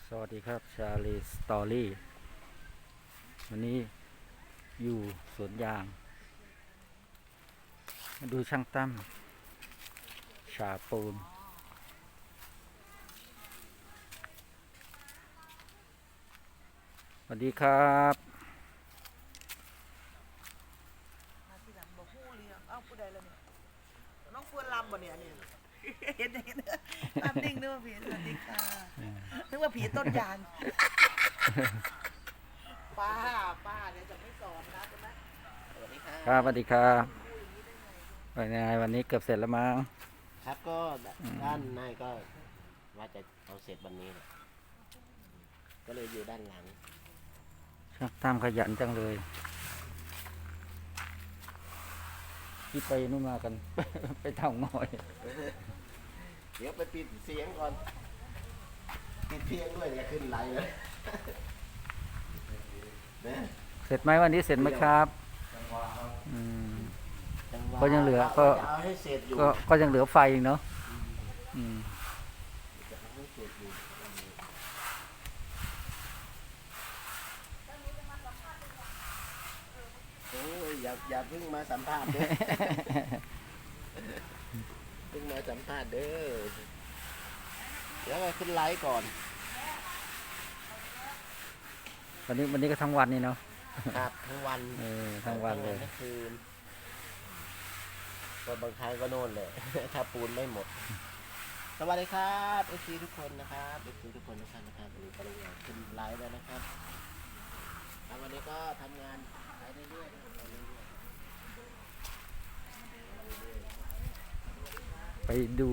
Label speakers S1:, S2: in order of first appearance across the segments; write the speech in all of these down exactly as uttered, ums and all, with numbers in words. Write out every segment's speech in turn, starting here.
S1: สวัสดีครับชาลีสตอรี่วันนี้อยู่สวนยางมาดูช่างตั้มฉาปูนสวัสดีครับ
S2: มาทีหลังบอกผู้เลี้ยงเอ้าผู้ใดละเนี่ยน้องควรลำบ่เนี่ยเนี่ยเห็นเห็นลำนิ่งนึกว่าผีสวัสดีค่ะนึกว่าผีต้นยางป้าป้าเนี่ยจะไม่สอนนะใช่ไหมสวัสดีค่ะ
S1: ครับสวัสดีครับเป็นไงวันนี้เกือบเสร็จแล้วมั้ง
S3: ครับก็ด้านในก็ว่าจะเอาเสร็จวันนี้แหละก็เลยอยู่ด้านหลัง
S1: ช่างตั้มขยันจังเลยที่ไปนู่นมากัน ไปเท่างอย
S3: เดี๋ยวไปปิดเสียงก่อนปิดเพียงด้วยอย่าขึ้นไลน์เลยนะ
S1: เสร็จไหมวันนี้เสร็จไหมครับอืม
S3: จัหวะ
S1: ก็ยังเหลือก็
S3: จะเอาให้เสร็จอยู่
S1: ก็ก็ยังเหลือไฟอีกเนาะอืม
S3: จะเอาให้เสร็จอยู่โอ้ยอย่าอย่าเพิ่งมาสัมภาษณ์เด้อ เพิ่งมาสัมภาษณ์เด้อเดี๋ยวไปขึ้นไลฟ์ก่อน
S1: วันนี้วันนี้ก็ทั้งวันนี่เนาะ
S3: ครับทั้งวัน
S1: เออทั้งวันเลย
S3: ทั้งคืนก็บางครั้งก็โน่นเลย ถ้าปูนไม่หมด สวัสดีครับเอฟซีทุกคนนะครับเอฟซีทุกคนทุกท่านนะครับวันนี้ก็ลงงานขึ้นไลฟ์แล้วนะครับแล้ววันนี้ก็ทำงานไปเรื่อยๆนะครับไปเรื่อย
S1: ไปดู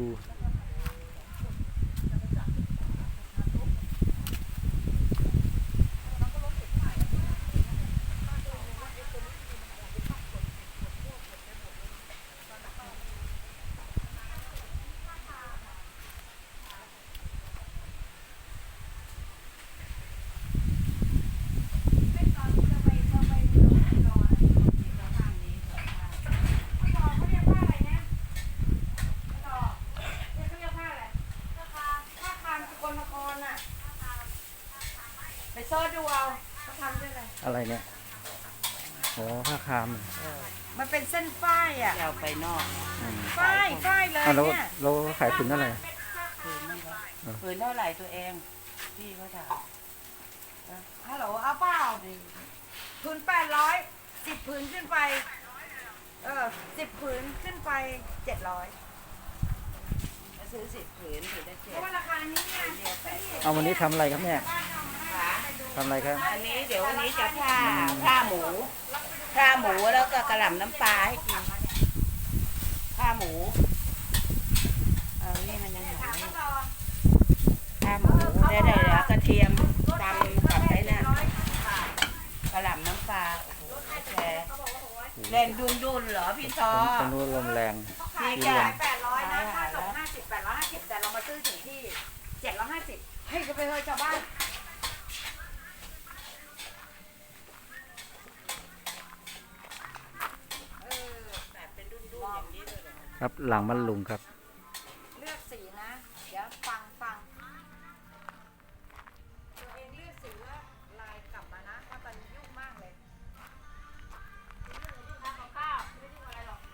S2: ไปซ่อนดูเอาเขาทำด้วยอะไร
S1: อะไรเนี่ยโอ้ผ้าคาม
S2: มันเป็นเส้นฝ้ายอ่ะ
S4: เอาไปนอก
S1: อืม
S2: ฝ้ายฝ้ายเลย
S1: อ่ะแล้ว
S2: เนี่ย
S1: เราขายถึงเท่าไหร่
S4: ผืนนึงครับผืนเท่าไหร่ตัวเอง พี่เขาถาม
S2: ฮัลโหลเอาเปล่าผืนแปดร้อยสิบผืนขึ้นไปเออสิบผืนขึ้นไปเจ็ดร้อย
S4: จะซื้อสิบผืนผืนละเจ็
S2: เพ
S4: ด
S2: ราะว่าราคานี้เนี่ย
S4: เดียวแปดสิบ
S1: เอาวันนี้ทำอะไรครับเนี่ย
S4: ขา
S1: ทำอะไรครับ
S4: อันนี้เดี๋ยววันนี้จะผ้าผ้าหมูผ้าหมูแล้วก็กระหล่ำน้ำปลาให้กินผ้าหมูเอานี่มันยังหาไม่ผ้าหมูได้ได้แล้วกระเทียมตำกับไอ้นั่นกระหล่ำน้ำปลาโอ้โหแชร์แรงดุนดุนๆเหรอพี่ซอ
S1: ตรงนู้นลมแรง
S4: พี่
S1: ที่
S4: จ้ะ
S1: ลม
S2: แปดร้อยนะค่าส่งห้าสิบแปดร้อยห้าสิบแต่เรามาซื้อถึงที่เจ็ดร้อยห้าสิบให้ก็ไปเถอะชาวบ้าน
S4: แบบเป็นดุนดุนอย่างนี้เลยเหรอ
S1: ครับหลังมันลุงครับ
S2: เลือกสีนะ เดี๋ยวฟังฟังตัวเองเลือกสีแล้วลายกลับมานะเพราะตอนนี้ยุ่งมากเลยทำกับข้าวไม่ได้ยุ่งอะไรหรอก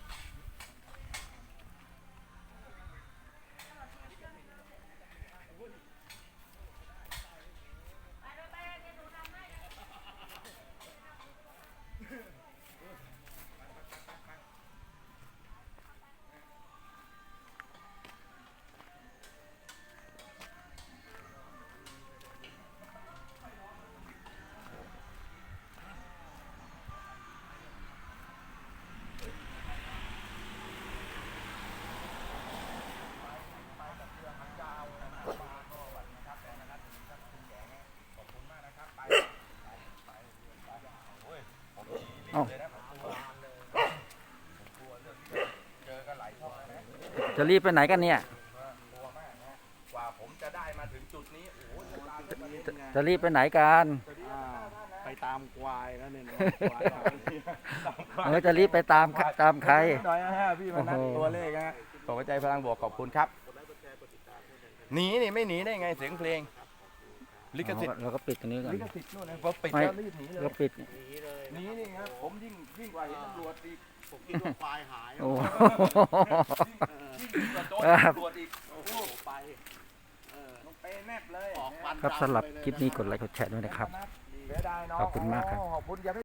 S1: เอ้าจะรีบไปไหนกันเนี่ย
S5: กว่าผมจะได้มาถึงจุดนี้โอ้โหเวลาเป็นประเด็นไง
S1: จะรีบไปไหนกัน
S5: อ่าไปตามควายแล้วเนี่ยนะควายหายตามควาย
S1: เออจะรีบไปตามตามใคร
S5: หน่อยนะฮะพี่มานัด
S1: โอ้โห
S5: ตัวเลขนะฮะตกใจพลังบวกขอบคุณครับ หนีนี่ไม่หนีได้ไงเสียงเพลงลิขสิทธิ์
S1: เราก็ปิดตรงนี้ก่อน
S5: ลิขสิทธิ์นู่นนะพอปิด
S1: ไม่
S5: แล้วรีบหนีเลย
S1: ก็ปิด
S3: หนีเลย
S5: หนีนี่ครับผมยิ่งยิ่งกว่าเห็นตำรวจอีก
S3: ผมคิดว่าควายหาย
S1: โอ้
S5: ยิ่งยิ่งกว่าโจร
S1: ครับ
S5: ตำรวจอีก
S3: โอ้โหไปเออ
S5: ต้องเปแนบเลย
S3: ออกฟัน
S1: ครับ
S3: ดำ
S1: สำหรับ
S3: ไปเลย
S1: คลิปนี้
S3: ะ
S1: กดไลค์กดแชร์ด้วยนะครับ
S5: เสียดายเนาะ
S1: ขอบคุณมากครับ
S5: ขอบคุณอย่าไป